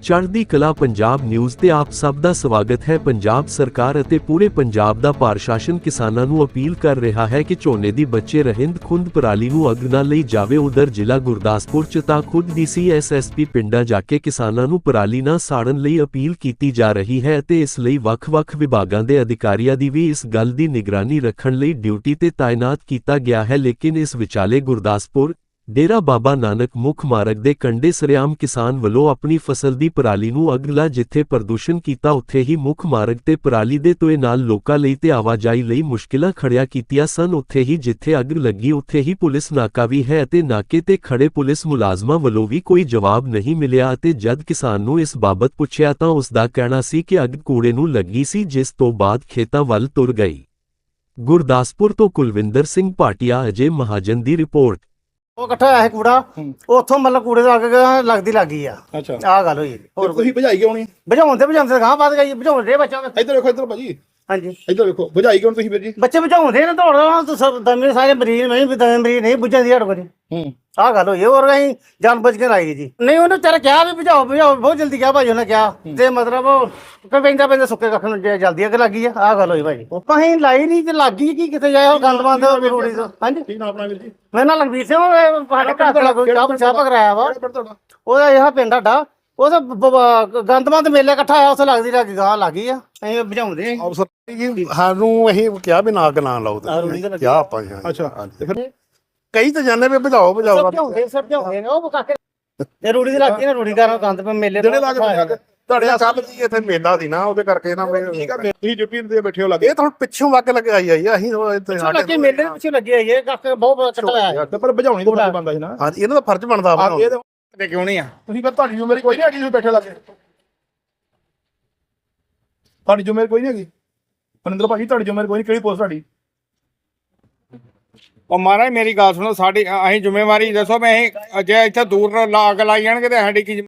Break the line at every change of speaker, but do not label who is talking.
ਚੜ੍ਹਦੀ ਕਲਾ ਪੰਜਾਬ ਨਿਊਜ਼ ਤੇ ਆਪ ਸਭ ਦਾ ਸਵਾਗਤ ਹੈ। ਪੰਜਾਬ ਸਰਕਾਰ ਅਤੇ ਪੂਰੇ ਪੰਜਾਬ ਦਾ ਪ੍ਰਸ਼ਾਸਨ ਕਿਸਾਨਾਂ ਨੂੰ ਅਪੀਲ ਕਰ ਰਿਹਾ ਹੈ ਕਿ ਝੋਨੇ ਦੀ ਬੱਚੇ ਰਹਿੰਦ ਖੁੰਦ ਪਰਾਲੀ ਨੂੰ ਅੱਗ ਨਾ ਲਈ ਜਾਵੇ। ਉਧਰ ਜ਼ਿਲ੍ਹਾ ਗੁਰਦਾਸਪੁਰ ਚ ਤਾਂ ਖੁਦ DCSSP ਪਿੰਡਾਂ ਜਾ ਕੇ ਕਿਸਾਨਾਂ ਨੂੰ ਪਰਾਲੀ ਨਾ ਸਾੜਨ ਲਈ ਅਪੀਲ ਕੀਤੀ ਜਾ ਰਹੀ ਹੈ ਅਤੇ ਇਸ ਲਈ ਵੱਖ-ਵੱਖ ਵਿਭਾਗਾਂ ਦੇ ਅਧਿਕਾਰੀਆਂ ਦੀ ਵੀ ਇਸ ਗੱਲ ਦੀ ਨਿਗਰਾਨੀ ਰੱਖਣ ਲਈ ਡਿਊਟੀ ਤੇ ਤਾਇਨਾਤ ਕੀਤਾ ਗਿਆ ਹੈ। ਲੇਕਿਨ ਇਸ ਵਿਚਾਲੇ ਗੁਰਦਾਸਪੁਰ ਡੇਰਾ ਬਾਬਾ ਨਾਨਕ ਮੁੱਖ ਮਾਰਗ ਦੇ ਕੰਢੇ ਸਰੇਆਮ ਕਿਸਾਨ ਵੱਲੋਂ ਆਪਣੀ ਫਸਲ ਦੀ ਪਰਾਲੀ ਨੂੰ ਅੱਗ ਲਾ ਜਿੱਥੇ ਪ੍ਰਦੂਸ਼ਣ ਕੀਤਾ ਉੱਥੇ ਹੀ ਮੁੱਖ ਮਾਰਗ ਤੇ ਪਰਾਲੀ ਦੇ ਧੂਏ ਨਾਲ ਲੋਕਾਂ ਲਈ ਤੇ ਆਵਾਜਾਈ ਲਈ ਮੁਸ਼ਕਿਲਾਂ ਖੜੀਆਂ ਕੀਤੀਆਂ ਸਨ। ਉੱਥੇ ਹੀ ਜਿੱਥੇ ਅੱਗ ਲੱਗੀ ਉੱਥੇ ਹੀ ਪੁਲਿਸ ਨਾਕਾ ਵੀ ਹੈ ਅਤੇ ਨਾਕੇ ਤੇ ਖੜੇ ਪੁਲਿਸ ਮੁਲਾਜ਼ਮਾਂ ਵੱਲੋਂ ਵੀ ਕੋਈ ਜਵਾਬ ਨਹੀਂ ਮਿਲਿਆ ਅਤੇ ਜਦ ਕਿਸਾਨ ਨੂੰ ਇਸ ਬਾਬਤ ਪੁੱਛਿਆ ਤਾਂ ਉਸ ਦਾ ਕਹਿਣਾ ਸੀ ਕਿ ਅੱਗ ਕੂੜੇ ਨੂੰ ਲੱਗੀ ਸੀ, ਜਿਸ ਤੋਂ ਬਾਅਦ ਖੇਤਾਂ ਵੱਲ ਤੁਰ ਗਈ। ਗੁਰਦਾਸਪੁਰ ਤੋਂ ਕੁਲਵਿੰਦਰ ਸਿੰਘ ਭਾਟੀਆ, ਅਜੇ ਮਹਾਜਨ ਦੀ ਰਿਪੋਰਟ।
ਉਹ ਇਕੱਠਾ ਹੋਇਆ ਸੀ ਕੂੜਾ, ਉੱਥੋਂ ਮਤਲਬ ਕੂੜੇ ਦਾ ਅੱਗ ਲੱਗਦੀ ਲੱਗੀ ਆ।
ਅੱਛਾ,
ਆਹ ਗੱਲ ਹੋਈ।
ਹੋਰ ਤੁਸੀਂ ਭਜਾਈ ਕਿਉਂ ਨਹੀਂ?
ਬੁਝਾਉਂਦੇ ਗਾਂ ਵੱਧ ਗਈ, ਬੁਝਾਉਂਦੇ ਬੱਚਾ।
ਇੱਧਰ ਵੇਖੋ, ਇੱਧਰ ਭਾਜੀ,
ਹਾਂਜੀ
ਇੱਧਰ ਵੇਖੋ, ਭਜਾਈ ਕਿਉਂ ਤੁਸੀਂ ਵੀਰ ਜੀ?
ਬੱਚੇ ਬੁਝਾਉਂਦੇ ਨੇ, ਦੌੜਦਾ ਦਮੇ ਸਾਰੇ ਮਰੀਜ਼ ਨਹੀਂ, ਦਮੇ ਮਰੀਜ਼ ਨਹੀਂ ਬੁਝਾਉਂਦੀ ਹੜ ਕੋਲ। ਆਹ ਗੱਲ ਹੋਈ। ਹੋਰ ਅਸੀਂ ਜਾਨ ਬੁੱਝ ਕੇ ਲਾਈ ਜੀ। ਨਹੀਂ ਉਹਨੇ ਤੇਰਾ ਕਿਹਾ ਵੀ ਬੁਝਾਓ ਬਹੁਤ ਜਲਦੀ ਕਿਹਾ ਭਾਜੀ ਉਹਨੇ ਕਿਹਾ, ਤੇ ਮਤਲਬ ਪੈਂਦਾ ਸੁੱਕੇ ਕੱਖ ਨੂੰ ਜਲਦੀ ਅੱਗ ਲੱਗੀ ਆ। ਆਹ ਗੱਲ ਹੋਈ ਭਾਜੀ। ਅਸੀਂ ਲਾਈ ਨਹੀਂ ਤੇ ਲੱਗੀ ਕੀ ਕਿੱਥੇ ਜਾਏ ਗੰਦ ਬੰਦ ਰੋੜੀ ਤੋਂ। ਹਾਂਜੀ,
ਕੀ ਨਾਮ ਆਪਣਾ ਵੀਰ ਜੀ?
ਮੇਰਾ ਨਾਮ ਲਖਬੀਰ ਸਿੰਘ, ਸਾਡੇ ਘਰ ਦਾ ਚਾਹ ਕਰਾਇਆ ਵਾ।
ਤੁਹਾਡਾ
ਉਹਦਾ ਇਹ ਪਿੰਡ ਸਾਡਾ, ਉਹ ਗੰਦਮੰਦ ਮੇਲੇ ਇਕੱਠਾ ਹੋਇਆ, ਉੱਥੇ ਲੱਗਦੀ ਲੱਗੀ ਗਾਂ ਲੱਗੀ ਆ। ਅਸੀਂ ਬੁਝਾਉਂਦੇ ਆਂ।
ਅਫਸਰ ਜੀ ਸਾਨੂੰ ਅਸੀਂ ਕਿਹਾ ਵੀ ਨਾ ਅੱਗ ਨਾ ਲਾਓ ਤੇ ਕਿਹਾ ਆਪਾਂ ਜੀ।
ਅੱਛਾ, ਤੇ ਫਿਰ
ਕਈ ਤਾਂ ਜਾਣੇ ਵੀ ਬੁਝਾਓ
ਬੁਝਾਉਂਦੇ ਨੇ ਉਹ ਕਾਕੇ ਇਹ ਰੂੜੀ ਦੀ ਲੱਗਦੀ ਨਾ, ਰੂੜੀ ਕਰਨ ਗੰਦ ਪੇ ਮੇਲੇ
ਜਿਹੜੇ ਲੱਗ ਤੁਹਾਡੇ ਕੱਲ ਜੀ ਇੱਥੇ ਮੇਲਾ ਸੀ ਨਾ, ਉਹਦੇ ਕਰਕੇ ਨਾ
ਤੁਸੀਂ ਡਿਊਟੀ ਤੇ ਬੈਠੇ ਹੋ ਲੱਗੇ
ਇਹ ਤਾਂ ਪਿੱਛੋਂ ਅੱਗ ਲਗਾਈ ਆਈ ਆ। ਅਸੀਂ ਇੱਥੇ
ਲੱਗੇ ਮੇਲੇ ਦੇ ਪਿੱਛੇ ਲੱਗੇ ਆਈ ਇਹ ਕਾਕੇ ਬਹੁਤ ਇਕੱਠਾ ਹੋਇਆ।
ਤੇ ਪਰ ਭਜਾਉਣੀ ਤਾਂ ਫਰਜ਼ ਬਣਦਾ ਸੀ ਨਾ।
ਹਾਂਜੀ, ਇਹਨਾਂ ਦਾ ਫਰਜ਼ ਬਣਦਾ ਵਾ।
ਇਹ ਕਿਉਂ ਨਹੀਂ ਆ? ਤੁਸੀਂ ਫਿਰ ਤੁਹਾਡੀ ਜ਼ਿੰਮੇਵਾਰੀ ਕੋਈ ਨਹੀਂ ਹੈਗੀ, ਤੁਸੀਂ ਬੈਠੇ ਲੱਗੇ। ਤੁਹਾਡੀ ਜ਼ਿੰਮੇਵਾਰੀ ਕੋਈ ਨਹੀਂ ਹੈਗੀ ਮਨਿੰਦਰ ਭਾਜੀ, ਤੁਹਾਡੀ ਜ਼ਿੰਮੇਵਾਰੀ ਕੋਈ ਨਹੀਂ। ਕਿਹੜੀ ਪੋਸਟ ਤੁਹਾਡੀ?
ਉਹ ਮਹਾਰਾਜ ਮੇਰੀ ਗੱਲ ਸੁਣੋ, ਸਾਡੀ ਅਸੀਂ ਜ਼ਿੰਮੇਵਾਰੀ ਦੱਸੋ। ਮੈਂ ਜੇ ਇੱਥੇ ਦੂਰ ਅੱਗ ਲਾਈ ਜਾਣਗੇ ਤੇ ਸਾਡੀ ਕੀ